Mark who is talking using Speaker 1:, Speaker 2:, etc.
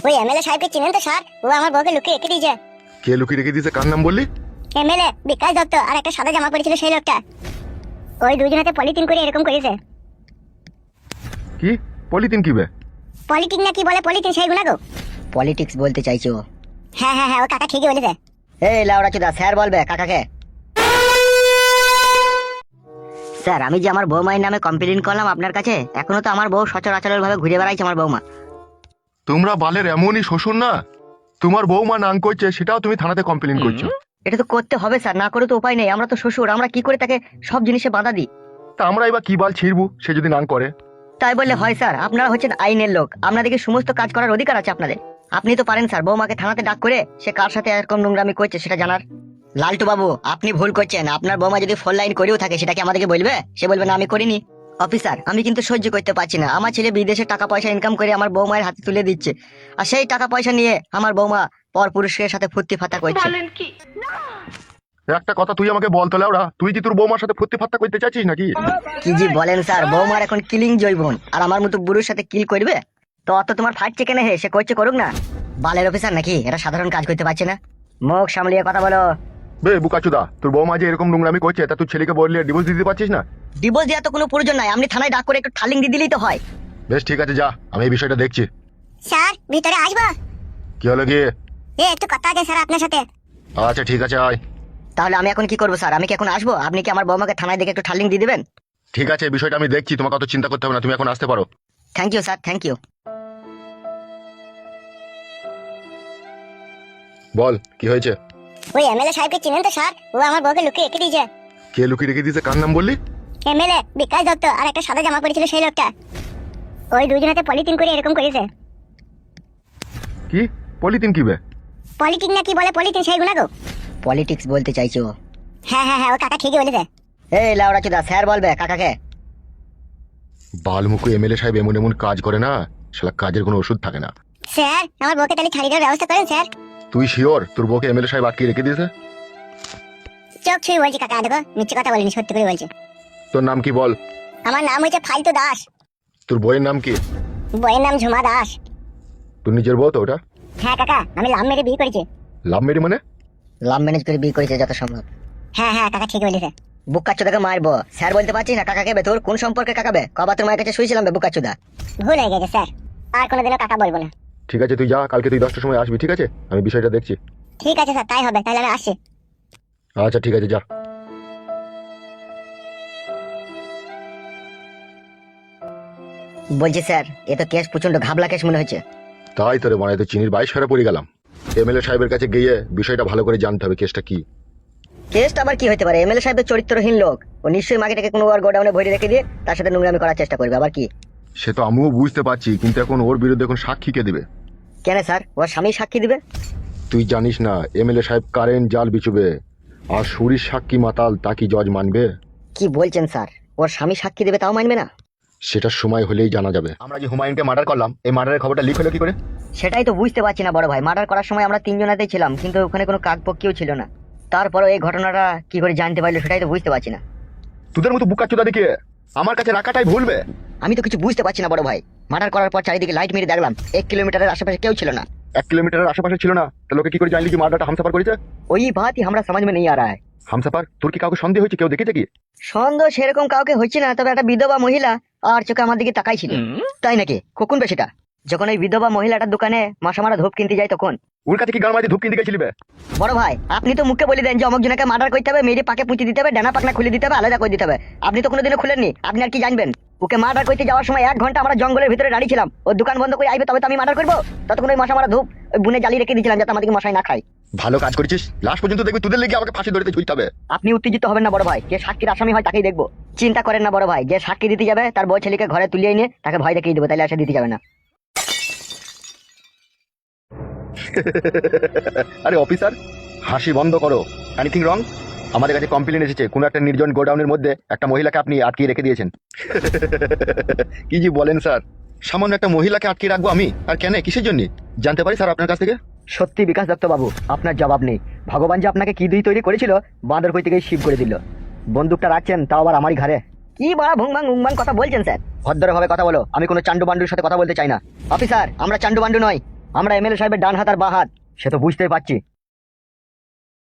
Speaker 1: ওই এমএলএ সাহেবকে চিনেন তো স্যার? ও আমার বউকে লুকিয়ে রেখে দিয়েছে।
Speaker 2: কে লুকিয়ে রেখে দিয়েছে? কার নাম বললি?
Speaker 1: এমএলএ বিকাশ দত্ত আর একটা সাদা জামা পরেছিল সেই লোকটা। ওই দুজনাতে পলিথিন করে এরকম করেছে।
Speaker 2: কি পলিথিন কি বে?
Speaker 1: পলিটিক না কি বলে পলিথিন সেইগুলো গো।
Speaker 3: পলিটিক্স বলতে চাইছো?
Speaker 1: হ্যাঁ হ্যাঁ হ্যাঁ, ও কাকা ঠিকই বলেছে।
Speaker 3: এই লাউড়া চুদা, স্যার বলবে কাকাকে। স্যার, আমি যে আমার বৌমায়ের নামে কমপ্লেন করলাম আপনার কাছে, এখনো তো আমার বউ সচরাচর ভাবে ঘুরে বেড়াইছে আমার বৌমা।
Speaker 2: তোমরা বালের এমনই শ্বশুর না, তোমার বৌমা নাং করছে সেটাও তুমি থানাতে কমপ্লেন করছো।
Speaker 3: এটা তো করতে হবে স্যার, না করে তো উপায় নেই। আমরা তো শ্বশুর, আমরা কি করে তাকে সব জিনিসে বাধা দিই?
Speaker 2: তা আমরা এবার কি বাল ছিড়বো সে যদি নাং করে?
Speaker 3: তাই বললে হয় স্যার? আপনারা হচ্ছেন আইনের লোক, আপনাদেরকে সমস্ত কাজ করার অধিকার আছে আপনাদের। আপনি তো পারেন স্যার বৌমাকে থানাতে ডাক করে সে কার সাথে এরকম নোংরামি করছে সেটা জানার। লালটু বাবু, আপনি ভুল করছেন। আপনার বৌমা যদি ফোন লাইন করেও থাকে সেটা কি আমাদেরকে বলবে? সে বলবে না আমি করিনি। অফিসার, আমি কিন্তু সহ্য করতে পারছি না। আমার ছেলে বিদেশে টাকা পয়সা ইনকাম করে আমার বৌমায়ের হাতে তুলে দিচ্ছে, আর সেই টাকা পয়সা নিয়ে আমার বৌমা পর পুরুষের সাথে ফুর্তি ফাতা করছে।
Speaker 2: একটা কথা তুই আমাকে বলতো লাউড়া, তুই কি তোর বৌমার সাথে ফুর্তি ফাত্তা করতে চাইছিস নাকি?
Speaker 3: কি জি বলেন স্যার? বৌমার এখন কিলিং জৈবন, আর আমার মতো বুড়োর সাথে কিল করবে? তো অত তোমার ফাটছে কেন? হে, সে করছে করুক না। বালের অফিসার নাকি এটা? সাধারণ কাজ করতে পারছে না। মুখ সামলিয়ে কথা বলো।
Speaker 2: বে বুকাচুদা, তোর বৌমা যে এরকম নোংরামি করছে তা তুই ছেলেকে বললে ডিভোর্স দিতে পারছিস না?
Speaker 3: ডিভোর্স দেওয়া তো কোনো প্রয়োজন নাই, আপনি থানায় ডাক করে একটু ঠালিং দিয়ে দিলেই তো হয়।
Speaker 2: বেশ ঠিক আছে, যা, আমি এই বিষয়টা দেখছি।
Speaker 1: স্যার ভিতরে আসবো?
Speaker 2: কি হলো কি?
Speaker 1: একটু কথা আছে স্যার আপনার সাথে।
Speaker 2: আচ্ছা ঠিক আছে, আয়।
Speaker 3: তাহলে আমি এখন কি করবো স্যার? আমি কি এখন আসবো? আপনি কি আমার বৌমাকে থানায় দেখে একটু ঠালিং দিয়ে দিবেন?
Speaker 2: ঠিক আছে, এই বিষয়টা আমি দেখছি, তোমাকে অত চিন্তা করতে হবে না, তুমি এখন আসতে পারো।
Speaker 3: Thank you sir, thank you.
Speaker 2: বল কি হয়েছে?
Speaker 1: ওই এমএলএ সাহেবকে চিনেন তো স্যার? ও আমার বউকে লুকিয়ে রেখে দিয়েছে।
Speaker 2: কে লুকিয়ে রেখে দিয়েছে? কার নাম বললি?
Speaker 1: এমএলএ বিকাশ দত্ত আর একটা সাদা জামা পরেছিল সেই লোকটা। ওই দুজনাতে পলিথিন করে এরকম করেছে।
Speaker 2: কি পলিথিন কি বে?
Speaker 1: পলিটিক না কি বলে পলিথিন সেইগুলো গো।
Speaker 3: পলিটিক্স বলতে চাইছো?
Speaker 1: হ্যাঁ হ্যাঁ হ্যাঁ, ও কাকা ঠিকই বলেছে।
Speaker 3: এই লাউড়া চুদা, স্যার বলবে কাকাকে।
Speaker 2: বালমুকু এমএলএ সাহেব এমন এমন কাজ করে না, শালা কাজের কোনো ওষুধ থাকে না।
Speaker 1: স্যার আমার বউকে তাহলে ছাড়িয়ে দেওয়ার ব্যবস্থা করেন স্যার।
Speaker 2: তুই শিওর তোর বউকে এমএলএ সাহেব আটকে রেখে দিয়েছে?
Speaker 1: চোখ ছুঁয়ে বলছি কাকা, দেখো মিথ্যে কথা বলিনি, সত্যি করে বলছি।
Speaker 2: তোর নাম কি বল?
Speaker 1: আমার নাম হচ্ছে ফালতু দাস।
Speaker 2: তোর বইয়ের নাম কি?
Speaker 1: বইয়ের নাম ঝুমা দাস।
Speaker 2: তোর নিজের বউ তো ওটা?
Speaker 1: হ্যাঁ কাকা, আমি লাভ মেরে বিয়ে করেছি।
Speaker 2: লাভ মেরি মানে?
Speaker 3: লাভ ম্যানেজ করে বিয়ে করেছে যত সম্ভব।
Speaker 1: হ্যাঁ হ্যাঁ কাকা ঠিকই বলেছে।
Speaker 3: বুকাচুদাকে মারবো স্যার বলতে পারছিস না? কাকাকে বে? তোর কোন সম্পর্কে কাকাবে? কবা তোর মায়ের কাছে শুয়েছিলাম বে বুকাচুদা?
Speaker 1: ভুল হয়ে গেছে স্যার, আর কোনোদিনও কাকা বলবো না।
Speaker 2: ঠিক আছে তুই যা, কালকে তুই 10টার সময় আসবি, ঠিক আছে? আমি বিষয়টা দেখছি।
Speaker 1: ঠিক আছে স্যার, তাই হবে, তাহলে আমি আসছি।
Speaker 2: আচ্ছা ঠিক আছে, যা।
Speaker 3: বলছি স্যার, এ তো কেস প্রচন্ড ঘাবলা কেস মনে হচ্ছে।
Speaker 2: তাই তোরে মনে হয় তো চিনির 22 ফেরা পড়ে গেলাম। এমএলএ সাহেবের কাছে গিয়ে বিষয়টা ভালো করে জানতে হবে, কেসটা কি।
Speaker 3: কেসটা আবার কি হতে পারে? এমএলএ সাহেব তো চরিত্রহীন লোক, ও নিশ্চয়ই মাগিটাকে কোনো আর গোডাউনে ভরে রেখে দিয়ে তার সাথে নোংরামি করার চেষ্টা করবে। আবার কি?
Speaker 2: সে তো আমিও বুঝতে পারছি, কিন্তু এখন ওর বিরুদ্ধে এখন সাক্ষী কে দিবে?
Speaker 3: কেন স্যার? ওর স্বামী সাক্ষী দিবে?
Speaker 2: তুই জানিস না এমএলএ সাহেব কারেন্ট জাল বিচুবে, আর সুরির সাক্ষী মাতাল তা কি জজ মানবে?
Speaker 3: কি বলছেন স্যার? ওর স্বামী সাক্ষী দেবে তাও মানবে না?
Speaker 2: সেটা সময় হলেই জানা যাবে। আমরা যে হুমায়ুনকে মার্ডার করলাম, এই মার্ডারের খবরটা লিক হলো কি করে?
Speaker 3: সেটাই তো বুঝতে পারছি না বড় ভাই। মার্ডার করার সময় আমরা তিনজনাতেই ছিলাম, কিন্তু ওখানে কোনো কাকপক্ষীও ছিল না। তারপরে এই ঘটনাটা কি করে জানতে পারলো সেটাই তো বুঝতে পারছি না।
Speaker 2: তোদের মতো বুকাচোদা দেখিয়ে আমার কাছে রাখাটাই ভুলবে।
Speaker 3: আমি তো কিছু বুঝতে পারছি না বড় ভাই। মার্ডার করার পর চারিদিকে লাইট মেরে দেখলাম 1 কিলোমিটারের আশেপাশে কেউ ছিল না।
Speaker 2: 1 কিলোমিটারের আশেপাশে ছিল না, তা লোকে কি করে জানলি কি মার্ডারটা হামসাপার করেছে?
Speaker 3: ওই বাতই আমরা समझ में नहीं आ रहा है।
Speaker 2: হামসাপার? তোর কি কাউকে সন্দেহ হয়েছে? কেউ দেখেছে কি?
Speaker 3: সন্দেহ সেরকম কাউকে হচ্ছে না, তবে একটা বিধবা মহিলা আর চোখে আমার দিকে তাকাই ছিল। তাই নাকি? কখন বেশিটা? যখন ওই বিধবা মহিলাটার দোকানে মাসামারা ধূপ কিনতে যাই তখন।
Speaker 2: ওর কাছে কি গান মাঝে ধূপ কিনতে গেছিলি বে?
Speaker 3: বড় ভাই, আপনি তো মুখে বলে দেন যে অমুক জনকে মার্ডার করতে হবে, মেরে পাকে পুঁতে দিতে হবে, ডানা পাকনা খুলে দিতে হবে, আলাদা করে দিতে হবে। আপনি তো কোনোদিনও খুলেননি, আপনি আর কি জানবেন? ওকে মার্ডার করতে যাওয়ার সময় 1 ঘন্টা আমরা জঙ্গলের ভিতরে দাঁড়িয়ে ছিলাম। ওর দোকান বন্ধ করে আইবে তবে তো আমি মার্ডার করবো। ততক্ষণ ওই মাসামারা ধূপ ওই বুনে জ্বালিয়ে রেখে দিয়েছিলাম যাতে আমাদেরকে মশাই না খায়।
Speaker 2: ভালো কাজ করেছিস, লাস্ট পর্যন্ত দেখবি তোদের লেগে আমাকে ফাঁসি ধরতে ঝুলতে হবে।
Speaker 3: আপনি উত্তেজিত হবেন না বড় ভাই, যে সাক্ষীর আসামি হয় তাকেই দেখবো। চিন্তা করেন না বড় ভাই, যে সাক্ষী দিতে যাবে তার বউ ছেলেকে ঘরে তুলিয়ে এনে তাকে ভয় দেখিয়ে দেবো, তাহলে আসা দিতে যাবে না।
Speaker 2: আরে অফিসার, হাসি বন্ধ করো। Anything wrong? আমাদের কাছে কমপ্লেন এসেছে কোনো একটা নির্জন গোডাউনের মধ্যে একটা মহিলাকে আপনি আটকে রেখে দিয়েছেন। কি জি বলেন স্যার? সামান্য একটা মহিলাকে আটকে রাখবো আমি? আর কেন, কিসের জন্য জানতে পারি স্যার আপনার কাছ থেকে?
Speaker 3: সত্যি বিকাশ দত্ত বাবু, আপনার জবাব নেই। ভগবান যে আপনাকে কি দিয়ে তৈরি করেছিল, বাঁদর কই থেকে শিব করে দিল। বন্দুকটা রাখছেন তাও আবার আমারই ঘরে। কি বড় ভুংবাং উংবাং কথা বলছেন স্যার? ভদ্রভাবে কথা বলো, আমি কোনো চান্ডু বান্ডুর সাথে কথা বলতে চাই না। অফিসার, আমরা চান্ডু বান্ডু নয়। আমরা এমএলএ সাহেবের ডান হাত আর বাঁ হাত।
Speaker 2: সে তো বুঝতেই পারছি,